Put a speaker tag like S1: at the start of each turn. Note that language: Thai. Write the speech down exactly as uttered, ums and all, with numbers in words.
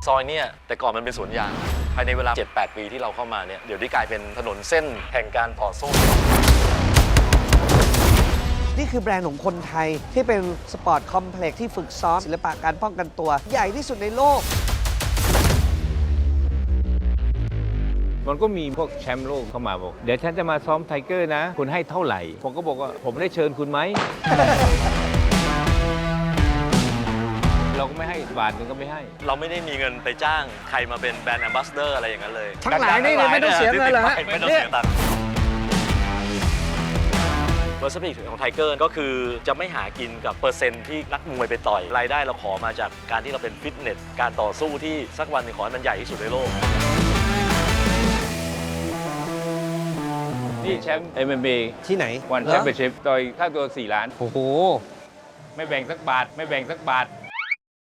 S1: ซอยเนี่ยแต่ก่อนมันเป็นสวนยางภายในเวลา เจ็ดแปด ปีที่เราเข้ามาเนี่ยเดี๋ยวนี้กลายเป็นถนนเส้นแห่งการต่อสู้
S2: นี่คือแบรนด์ของคนไทยที่เป็นสปอร์ตคอมเพล็กซ์ที่ฝึกซ้อมศิลปะการป้องกันตัวใหญ่ที่สุดในโลก
S3: มันก็มีพวกแชมป์โลกเข้ามาบอกเดี๋ยวฉันจะมาซ้อมไทเกอร์นะคุณให้เท่าไหร่ผมก็บอกว่าผมได้เชิญคุณไหม เราก็ไม่ให้บาทนึงก็ไม่ให้
S1: เราไม่ได้มีเงินไปจ้างใครมาเป็นแบรนด์แอมบาสเดอร์อะไรอย่างนั้นเลย
S2: ทั้งหลายนี่ไม่ต้องเสียเงินเหรอฮะ
S1: ไม่ต้องเสียตังค์เปอร์เซ็นต์ของไทเกอร์ก็คือจะไม่หากินกับเปอร์เซ็นต์ที่นักมวยไปต่อยรายได้เราขอมาจากการที่เราเป็นฟิตเนสการต่อสู้ที่สักวันหนึ่งขอให้มันใหญ่ที่สุดในโลก
S3: นี่แชมป์ เอ็ม เอ็ม เอ
S2: ที่ไหน
S3: วันแชมเปี้ยนชิพต่อยค่าตัวสี่ล้าน
S2: โอ้โห
S3: ไม่แบ่งสักบาทไม่แบ่งสักบาท